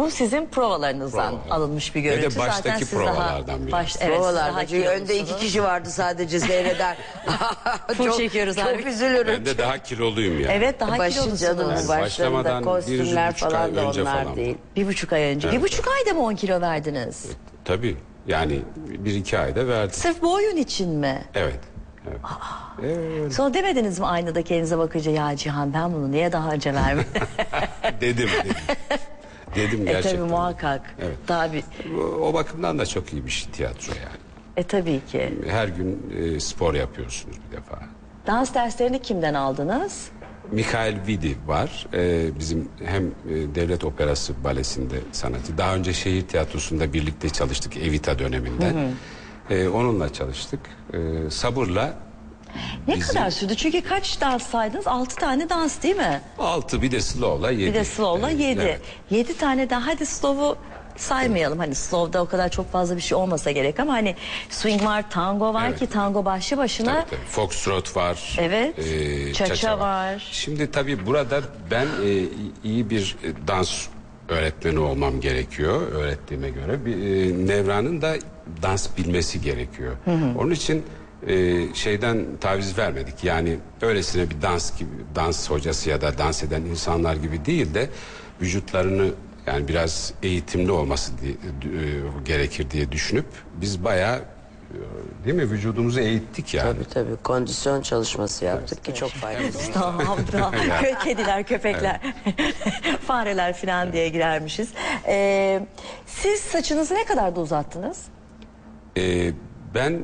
Bu sizin provalarınızdan alınmış bir görüntü. Ve de baştaki Zaten siz provalardan biri. evet, siz Provalarda. daha Çünkü önde 2 kilolusunuz. kişi vardı sadece seyreder. Full çekiyoruz abi. Çok üzülürüm. Ben de daha kiloluyum yani. Evet, daha Başın kilolusunuz. canının Yani başlarında başlamadan kostümler 1,5 ay falan da önce onlar falan. değil. 1,5 ay önce. Evet. 1,5 ayda mı 10 kilo verdiniz? Tabii. Yani 1-2 ayda verdim. Sırf bu oyun için mi? Evet. Evet. Sonra demediniz mi aynada kendinize bakınca, ya Cihan ben bunu niye daha önce vermedim? Dedim. Dedim gerçekten. Tabii muhakkak. Evet. Daha bir... O bakımdan da çok iyiymiş tiyatro yani. Tabii ki. Her gün spor yapıyorsunuz bir defa. Dans derslerini kimden aldınız? Mikhail Vidi var. Bizim hem Devlet Operası Balesi'nde sanatçı. Daha önce şehir tiyatrosunda birlikte çalıştık Evita döneminde. Onunla çalıştık. Sabırla Ne kadar sürdü? Çünkü kaç dans saydınız? 6 tane dans değil mi? 6 bir de slow'la 7. Bir de slow'la 7. Evet. 7 tane daha, hadi slow'u saymayalım. Hani slow'da o kadar çok fazla bir şey olmasa gerek ama hani swing var, tango var Evet. ki tango başlı başına. Tabii. Foxtrot var. Evet. Cha-cha var. Şimdi tabii burada ben iyi bir dans öğretmeni olmam gerekiyor öğrettiğime göre. Nevran'ın da dans bilmesi gerekiyor. Onun için şeyden taviz vermedik. Yani öylesine bir dans hocası ya da dans eden insanlar gibi değil de vücutlarını yani biraz eğitimli olması gerekir diye düşünüp biz bayağı değil mi vücudumuzu eğittik yani. Tabii kondisyon çalışması yaptık ki çok faydalı. Tamam, bravo. Kediler, köpekler, fareler falan diye girermişiz. Siz saçınızı ne kadar da uzattınız? Ben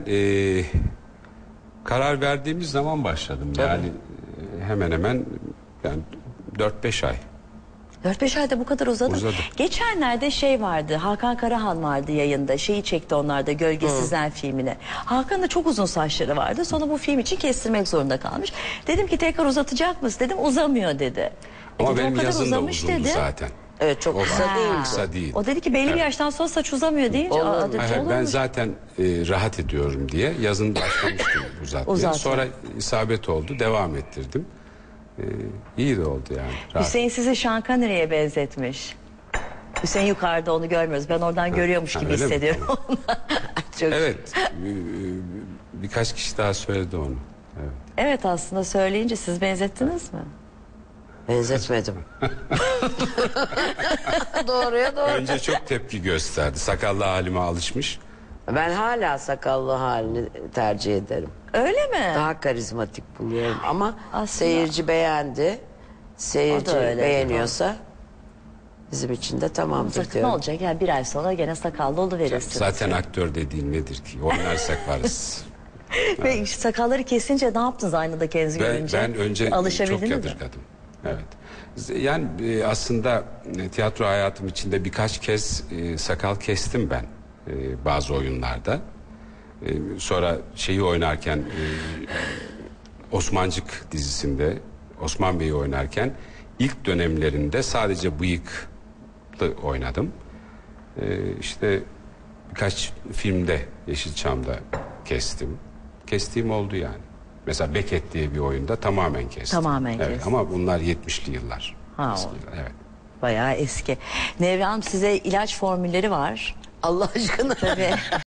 karar verdiğimiz zaman başladım. Yani hemen hemen yani 4-5 ay. 4-5 ayda bu kadar uzadı. Geçenlerde şey vardı, Hakan Karahan vardı yayında, şeyi çekti onlar da, Gölgesizler filmine. Hakan'ın da çok uzun saçları vardı, sonra bu film için kestirmek zorunda kalmış. Dedim ki tekrar uzatacak mısın dedim, uzamıyor dedi. Ama Dedim, benim o kadar yazım da uzamış uzundu dedi. zaten. Evet çok kısa değil. Kısa değil. O dedi ki belli bir yaştan sonra saç uzamıyor deyince. Olur mu? Hayır, Olur ben mu? zaten rahat ediyorum diye yazın başlamıştım uzatmaya. Uzatma. Sonra isabet oldu, devam ettirdim. İyi de oldu yani. Rahat. Hüseyin sizi Sean Connery'e benzetmiş. Hüseyin yukarıda, onu görmüyoruz. Ben oradan görüyormuş gibi öyle mi? hissediyorum. Çok... Evet, birkaç kişi daha söyledi onu. Evet. Evet, aslında söyleyince siz benzettiniz mi? Benzetmedim. Doğruya doğru. Önce çok tepki gösterdi. Sakallı halime alışmış. Ben hala sakallı halini tercih ederim. Öyle mi? Daha karizmatik buluyorum ama Aslında- seyirci beğendi. Seyirci O da öyle. beğeniyorsa bizim için de tamamdır Sakın ne diyorum. olacak? Yani bir ay sonra gene sakallı oluverirsiniz. Zaten aktör dediğin nedir ki? Oynarsak varız. Ve işte sakalları kesince ne yaptınız aynada kendinizi görünce? Ben önce çok Alışabildiniz mi? yadırgadım. Evet. Yani aslında tiyatro hayatım içinde birkaç kez sakal kestim ben bazı oyunlarda. Sonra şeyi oynarken Osmancık dizisinde Osman Bey'i oynarken ilk dönemlerinde sadece bıyıklı oynadım. İşte birkaç filmde Yeşilçam'da kestim. Kestiğim oldu yani. Mesela Beckett diye bir oyunda tamamen kestim. Tamamen Evet, kestim. ama bunlar 70'li yıllar. Ha, Eski o. yıllar, evet. Bayağı eski. Nevra Hanım, size ilaç formülleri var. Allah aşkına. Tabii.